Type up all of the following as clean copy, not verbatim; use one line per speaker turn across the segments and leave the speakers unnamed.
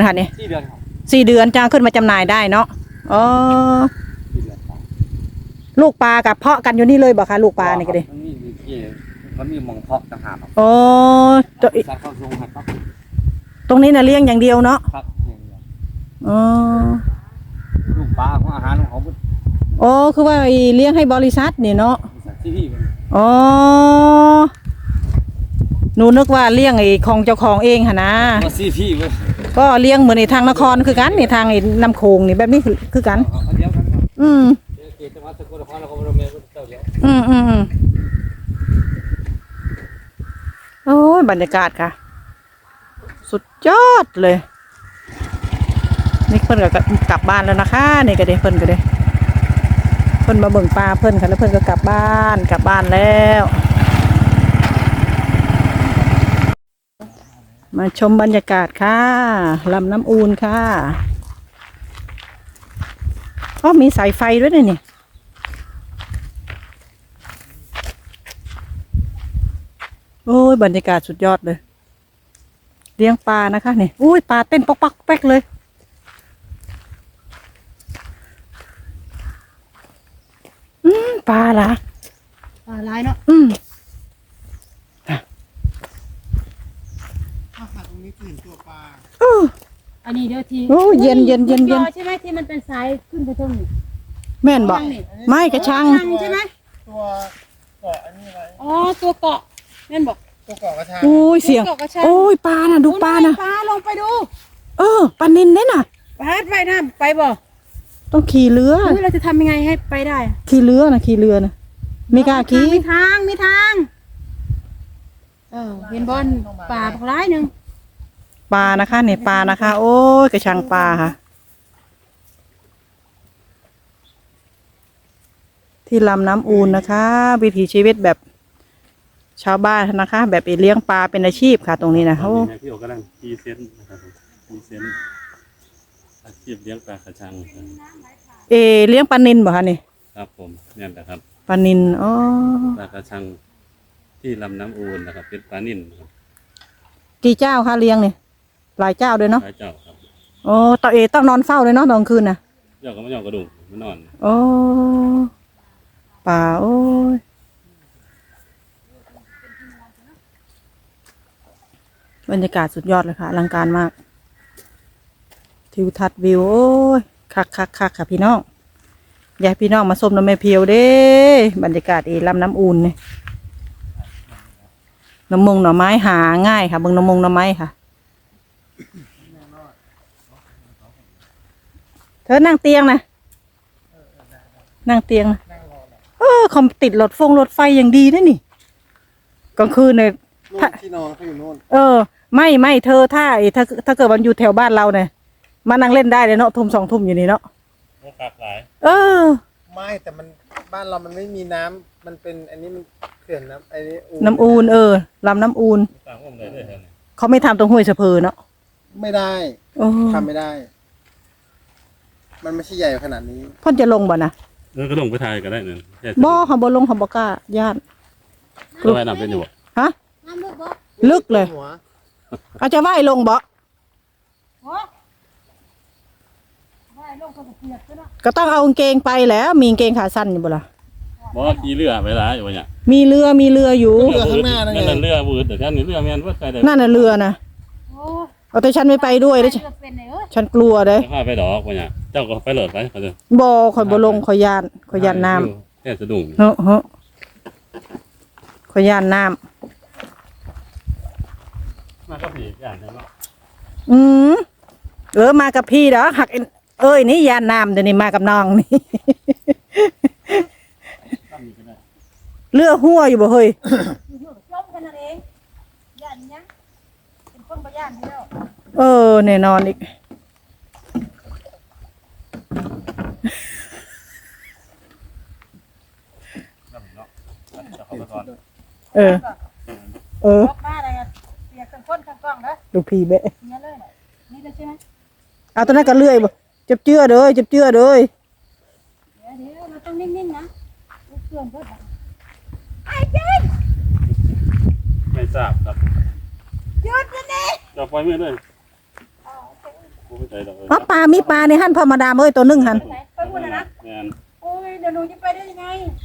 ค่ะนี่
4 เดือนครับ
4 เดือนจ้างขึ้นมาจำหน่ายได้เนาะอ๋อลูกปลากับเพาะกันอยู่นี่เลยบ่คะลูกปลานี่ก็ดิ
มันมีหม่องเพาะต่างหากครับ
โอ้
สัตว์เข้าทรงครับ
ตรงนี้น่ะเลี้ยงอย่างเดียวเนาะ
ครับ
อ๋อ
ลูกปลาของอาหารของเขา
อ๋อคือว่าเลี้ยงให้บริษัทนี่เนาะอ๋อหนูนึกว่าเลี้ยงไอ้ของเจ้าของเองหะนะก็เลี้ยงเหมือนในทางนครคือกันในทางไอ้น้ำโขงนี่แบบนี้คือกันโอ้ยบรรยากาศค่ะสุดยอดเลยนี่เพิ่นก็กลับบ้านแล้วนะคะนี่ก็เด้เพิ่นก็เด้เพิ่นมาเบิ่งปลาเพิ่นค่ะแล้วเพิ่นก็กลับบ้านแล้วมาชมบรรยากาศค่ะลำน้ำอูนค่ะก็มีสายไฟด้วยนี่โอ้ยบรรยากาศสุดยอดเลยเลี้ยงปลานะคะนี่อุ้ยปลาเต้นป๊อกป๊อกแป๊กเลยปลาล่ะ
ปลาลายเนาะตรงนี้เห็นตัวปลาอันนี้เดี๋ยวที
โอ้เย็น
ใช่ไหมที่มันเป็นสายขึ้นไปตรงนี้
แม่นบอกไม่กระชัง
ใช่ไหม
ตัวเกาะอันนี้อะไร
อ๋อตัวเกาะแม่นบอก
ตัวเกาะกระชัง
โอ้ยเสียงโอ้ยปลาน่ะดูปลาน่ะ
ปลาลงไปดู
ปลานิลเนี่ยน่ะ
ไปน้ำไปบ่
ต้องขี่เรือ
เราจะทำยังไงให้ไปได้
ขี่เรือนะไม่กล้าขี่
มีทางเห็นบอลปลาร้ายหนึ่ง
ปลานะคะเนี่ยปลานะคะโอ้ยกระชังปลาค่ะที่ลำน้ำอูนนะคะวิถีชีวิตแบบชาวบ้านนะคะแบบเลี้ยงปลาเป็นอาชีพค่ะตรงนี้นะโอ้
พี่โอกำลังพรีเซนต์นะครับพรีเซนต์อาชีพเลี้ยงปลากระชัง
เลี้ยงปลานิลบ่คะนี่
ครับผมเนี่ยนะครับ
ปลานิลอ๋อ
ปลากระชังที่ลำน้ำอูนนะครับเป็นปลานิลครับ
กี่เจ้าคะเลี้ยงเนี่ยหลายเจ้าเลยเนาะ
หลายเจ้าครับ
โอ้ต้องนอนเฝ้าเลยเนาะตอนคืนน่ะ
เจ้าก็ไม่ยอมกระดูกไม่นอน
โอ้ป่าโอ้ยบรรยากาศสุดยอดเลยค่ะอลังการมากทิวทัศน์วิวโอ้ยคักค่ะพี่น้องอยากพี่น้องมาชมน้ำแม่เพียวเด้บรรยากาศลำน้ำอูนเนี่ยหน่อไม้หาง่ายค่ะเบิ่งหน่อไม้ค่ะเธอนั่งเตียงนะคอมติดรถไฟอย่างดีนะนี่กลางคืนเนี่ย
ที่นอนเขาอยู่โน่น
ไม่เธอถ้าเกิดมันอยู่แถวบ้านเราเนี่ยมานั่งเล่นได้เลยเนาะทุ่ม2 ทุ่มอยู่นี่เนาะ
หลากหลาย
ไม่แต่มันบ้านเรามันไม่มีน้ำมันเป็นอันนี้มันเขื่อนน้ำอันนี้
น้ำอูนลำน้ำอูนเขาไม่ทำตรงห้วยสะเพอเนาะ
ไม่ได้ทำไม่ได้มันไม่ใช่ใหญ่ขนาดนี้
พ่อจะลงบ่นะ
ก็ลงไปถ่ายก็ได้เนี่ย
บ่เขาบ่ลงเขาบ่กล้าญาติ
ก็ว่ายน้ำเป็นอยู่
ฮะลึกเลยอาจจะว่ายลงบ่ก็ต้องเอากางเกงไปแล้วมีกางเกงขาสั้นอยู่บ่ล่ะ
บ่ขี่เรือไปละอยู่เนี่ย
มีเรืออยู่
เรือข้างหน้านั่นไง
เรือวืดแต่ท่านนี่เรือแมนว่าใคร
นั่นน่ะเรือนะแต่ฉันไม่ไปด้วยเลยฉันกลัวเลย
ข้าไปดอกเนี่ยเจ้าก็ไปหลดไปเขาจะ
บ่คอยบ่ลงคอยยานน้
ำแค่สะดุ้ง
คอยยานน้
ำมากับพี่ยานใช่ไหม
มากับพี่เด้อหักนี่ยานน้ำเดี๋ยวนี้มากับน้องนี่เลือหัวอยู่บ่เฮ้ยแน่นอนอีกลูกพี่เบะเอาตอนนั้นก็เลื่อยบ่จับเจือเลยเดี๋ยว
เราต้องนิ่งๆนะเพื่อนไอ้เจน
ไม่ทราบครับ
หยุดนะนี่
จะปล่อยมือเลยกูไม่ใจดอก
อ๋อปลามีปลาในหั่นพอมาดามเอ้ยตัวนึงหั่น
ไปพูดนะ
งาน
โอ้ยเดี๋ยวหนูจะไปได้ยังไง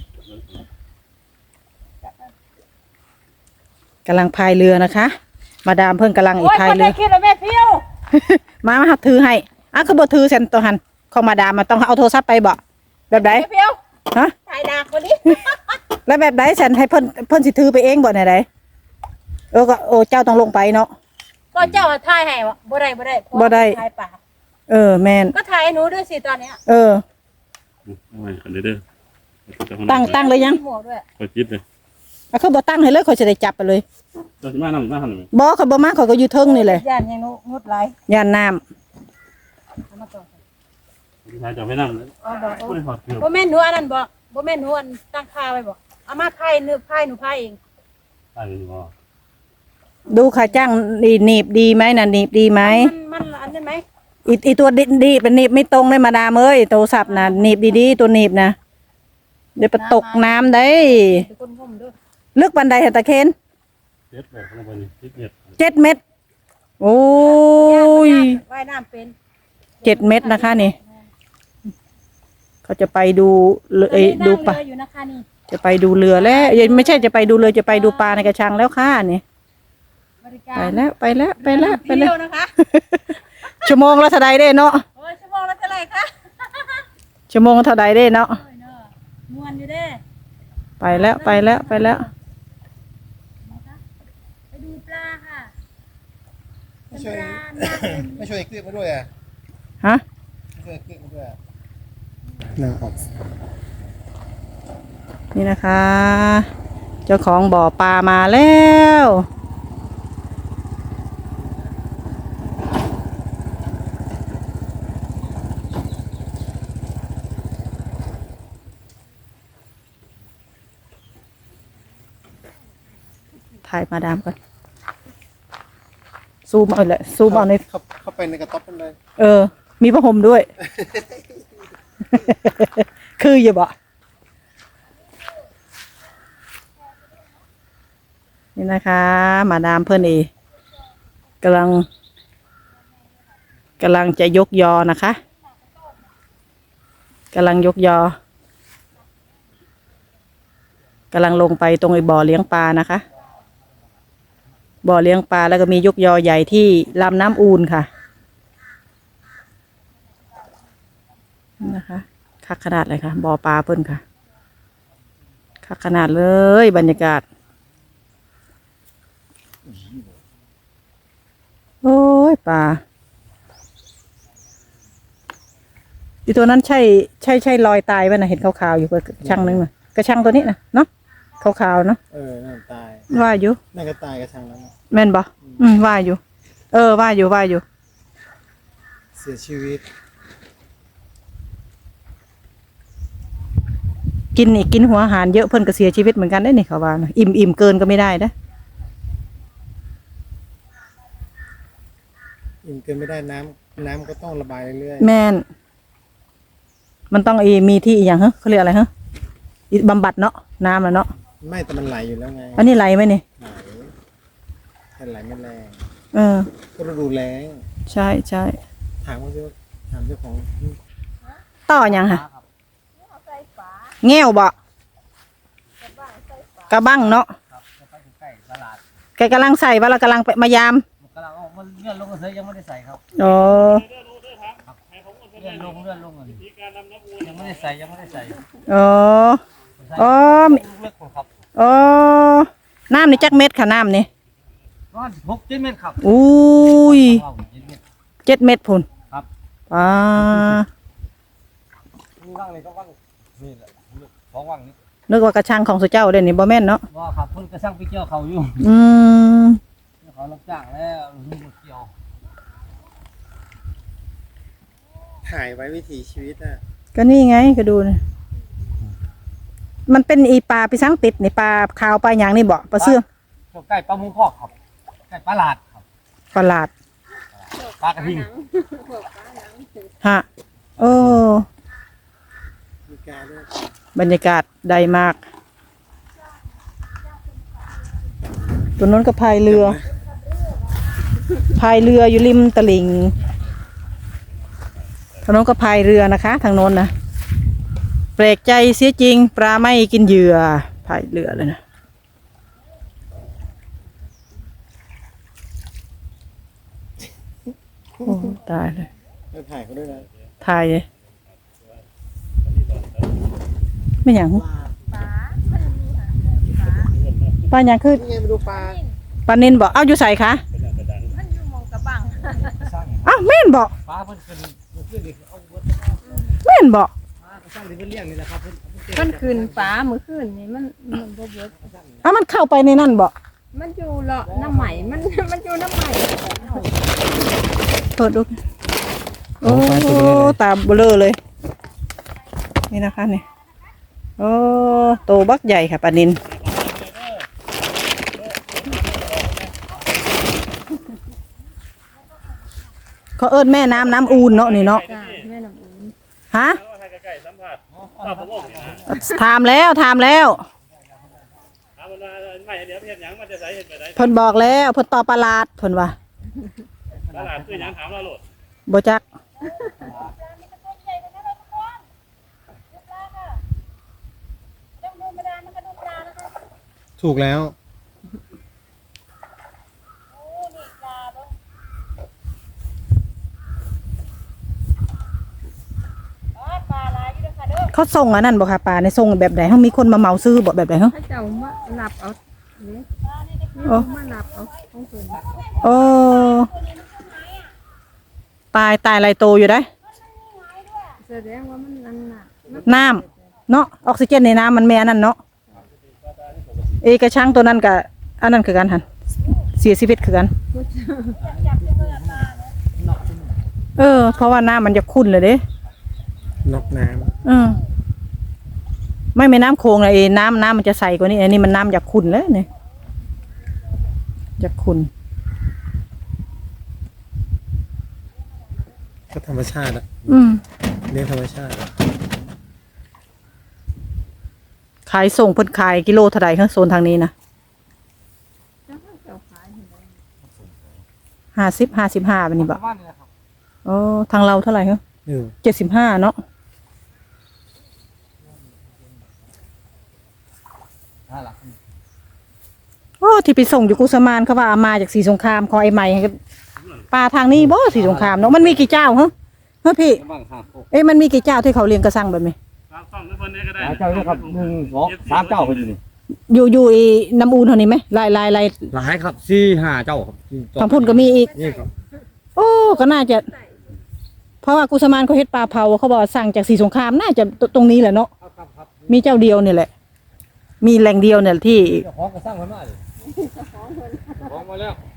กำลังพายเรือนะคะ มาดามเพิ่งกำลังอี
โอ้
ก
ย
พาย
คน
เรื
ได้
อ
คิดแล้วแม่เพี้ยว
มาหัดถือให้อ่ะคือบ่ถือเซนตัวหันของมาดามมันต้องเอาโทรศัพท์ไปบ่แบบไหน
แม่เพี้ยว
ฮะ
ถ่ายดาคนนี้
แล้วแบบไหนฉันให้เพิ่นสิถือไปเองบ่ไหนใดก็โอ้เจ้าต้องลงไปเนาะ
ก็เจ้าถ่ายให้วะบ่ได้
บ่ได้
ถ่ายป่า
แม่น
ก็ถ่ายให้หนูด้วยสิตอนเนี้ย
เอาไว้กันเด้อ
ตั้งเลยยัง
หมวกด้วย
คอยคิดเลย
อ่ะคือบ่ตั้งให้เลยข่อยสิได้จับไปเลย
เจ้าสิมาหน้าหันไหม
บ่เขาบ่มาเขาก็อยู่เทิงนี่แหละ
ย่านยังหนูงดไหล
ย่านน้ำ
เอามาก่อน
พี่ชายจะไม่นั่งเลย
เอาดอก
ไม่หอดเกือบ
บ่แม่นหนูอันนั้นบ่บ่แม่นหนูอันตั้งค่าไว้บ่เอามาไพ่หนูไพ่เอง
ตายอยู่บ่
ดูค่ะจ้างหนีบดีไหมน่ะหนีบดีไหม
มันอันนั้นไหม
อีตัวดีเป็นหนีบไม่ตรงเลยมาดามเอ้ยโทรศัพท์น่ะหนีบดีๆตัวหนีบนะเดี๋ยวไปตกน้ำได้
เดี๋ยวคนงมด้วย
ลึกบันไดเหรอตะเคน
เจ็ดแบบลงไปนี่7 เมตร
7 เมตรโอ้ย
ว่ายน้ำเป็น
7 เมตรนะคะนี่เขาจะไปดูดูปลา
เรืออยู่นะคะนี่
จะไปดูเรือแล้วไม่ใช่จะไปดูเรือจะไปดูปลาในกระชังแล้วค่ะนี่
บริการ
ไปแล้วไปแล้ว
เที่ยวนะคะ
ชั่วโมงละเท่าใดได้เนาะ
โอ้ยชั่วโมงละเท่าไหร่คะ
ชั่วโมงละเท่าใดได้เนาะ
โอ้ยเนาะม่วนอยู่เด้
ไปแล้วไปแล้วไปแล้ว
นะคะไปดูปลาค่ะ
ไม่ช่วย
ปลาหน้าเป็น
ไม่ช่วยคลิปมาด้วยอ่ะ
ฮะ
ไม่ช่วยคลิปมาด้วยนั่งออก
นี่นะคะ เจ้าของบ่อปลามาแล้วถ่ายมาดามก่อนซูมเอาเลยซูมเอาใน
เข้าไปในกระต๊อบมันเลย
มีผ้าห่มด้วย คืออย่าบอกนี่นะคะ มาดามเพื่อนเอกำลังจะยกยอนะคะกำลังยกยอกำลังลงไปตรงไอ้บ่อเลี้ยงปลานะคะบ่อเลี้ยงปลาแล้วก็มียกยอใหญ่ที่ลำน้ำอูนค่ะนะคะคักขนาดเลยค่ะบ่อปลาเพิ่นค่ะคักขนาดเลยบรรยากาศโอ้ยปลาอีตัวนั้นใช่รอยตายป่ะนะเห็นขาวๆอยู่กระชังนึงน่ะกระชังตัวนี้นะเนาะขาวๆเนาะ
นั่นตาย
ว่าอยู่
นั่นก็ตายกระชังแล้วนะ
แม่นบ่ว่าอยู่ว่าอยู่
เสียชีวิต
กินหัวอาหารเยอะเพิ่นก็เสียชีวิตเหมือนกันได้นี่เขาว่านะอิ่มเกินก็ไม่ได้นะ
อิ่มเกินไม่ได้น้ำก็ต้องระบายเรื่อย
แม่นมันต้องมีที่อีกอย่างฮะเขาเรียกอะไรฮะบำบัดเนาะน้ำแล้วเนาะ
ๆไม่แต่มันไหลอยู่แล้วไง
อันนี้ไหลไหมนี่
ไหลแต่ไหลไม่แรง ก็ฤดูแล้ง
ใช่
ถามเจ้าของ
ต่อยังค่ะแง่วบ่กระบังเนาะแกกำลังใส่ว่าเรากำลังไปมายาม
กำลังมันเลื่อนลงก็เสยยังไม่ได้ใส่ครับ
อ๋อ
เลื่อนลงอันนี้ยังไม่ได้ใส่
อ๋ออ๋อ
เลือกคนครับ
อ๋อน้ำนี่จักเม็ดค่ะน้ำนี่
ประมาณ6-7 เมตรครับ
อุ้ย
ว้าว7 เมตร
7 เม็ดพุ่น
ครับ
อ่า
นี่ว่างเลยก็ว่างนี่แหละของว่างนี่
นึกว่ากระชังของสุเจ้าเด่นนี่บ่แม่นเนาะ
ว่าครับเพิ่นกระช่างไปเกี่ยวเขาอยู่
อืม
เขารับจ้างแล้วนี่มาเกี่ยว
ถ่ายไว้วิถีชีวิตอ่ะ
ก็นี่ไงก็ดูนะมันเป็นอีปลาปีสังติดนี่ปลาขาวปลาหยางนี่บ่ปลาเสื่อม
ไก่ปลาหมูพอกครับไก่ปลาหลาดครับ
ปลาหลาด
ปลากระทิง
ฮะโอ้
มีการด้วย
บรรยากาศได้มาก ตัวนั้นก็พายเรืออยู่ริมตลิ่งทางโน้นก็พายเรือนะคะ ทางโน้นนะแปลกใจเสียจริงปลาไม่กินเหยื่อพายเรือเลยนะโอ้ตายเลย
ไปถ่ายเขาด้วยนะ
ถ่ายเลยไม่หยังปลาหยังคือ
นี่ไงมาดูปลา
ปลานินบอกเอาอยู่ใส่คะ
มันอยู่หมองกระบัง
อ้าวแม่นบอก
ปลาเพิ่นขึ้นดิเอาเบิด
แม่นบอก
ปลาก็สร้างที่เพิ่นเลี้ยงนี่แหละครับเพิ่น
มันคืนฟ้ามื้อคืนนี่มันบ่เบิด
อ้าวมันเข้าไปในนั่นบอก
มันอยู่เลาะน้ำใหม่มันอยู่น้ำใหม่
เปิดดูโอ้ตาเบลอเลยนี่นะคะนี่โอ้โตบักใหญ่ค่ะปลานินเขาเอิ้นแม่น้ำน้ำอูนเนาะนี่เนาะ
จ้าแม่น้ำอุ่น
ฮะ
ใกล้ๆสัมผัสป้าผมบอกเนี่ย
ถามแล้วถามแล้ว
ถามมันว่าไม่เดี๋ยวเห็นหยังมันจะใส่เห็นไปได้
เพิ่นบอกแล้วเพิ่นตอบประหลาดเพิ่นว่า
ตลาดคือหยังถามเราโลด
บ่จัก
ถูกแล้ว
เขาส่งอันนั้นบ่ค่ะปลาในส่งแบบใดเฮามีคนมาเหมาซื้อบ่แบบใดเฮา
ถ้าเจ้ามาหลับเอาเนี่ย
โอ้
มาหลับเอาของเพิ่น
โอ้ตายหลายโตอยู่ได้
แสดงว่ามันนั่นน่ะ
น้ำเนาะออกซิเจนในน้ำมันแม่นั่นเนาะเอกระช่างตัวนั้นกับอันนั้นคือกันหันเสียชีวิตคือกันเพราะว่าน้ำมันจะขุ่นเลยเด้
นกน้
ไม่น้ำโคงเลยน้ำมันจะใสกว่านี้อันนี้มันน้ำจากขุ่นแล้วเนี่ยจากขุ่น
ำก็ธรรมชาติอะเลี้ยงธรรมชาติอะ
ขายส่งเพิ่นขายกิโลเท่าไหร่ครับโซนทางนี้นะ
เจ้าขายให้ได้
55แบบนี้บ่
บ้านนี่แหละครับ
อ๋อทางเราเท่าไหร่ครับ 75เนาะ
หลัก
โอ้ที่ไปส่งอยู่กุสมานเขาว่าเอามาจากศรีสงครามของไอ้ใหม่ปลาทางนี้บ่ศรีสงครามเนาะมันมีกี่เจ้าฮะพี่
บ้างครับ
มันมีกี่เจ้าที่เขาเลี้ยงกระสังแบบนี้
ตามซ่องทุกคนเนี่ยก็ได้
เจ้าเนี่ยครับ1 2 3เจ้าเพิ่นอยู่นี่
อยู่ไอ้น้ำอูนเท่านี้ไหมลาย
หลายครับ4 5เจ้าครับ
ทางพุ่นก็มีอีก
นี่ครับ
โอ้ก็น่าจะ เพราะว่ากุสมานเขาเฮ็ดปลาเผาเขาบอกว่าสั่งจากศรีสงครามน่าจะตรงนี้แหละเนาะ
ครับ
มีเจ้าเดียวเนี่ยแหละ มีแหล่งเดียวเนี่ยที่
เจ้าของก็สร้างเพิ่นมาดิของมาแล้ว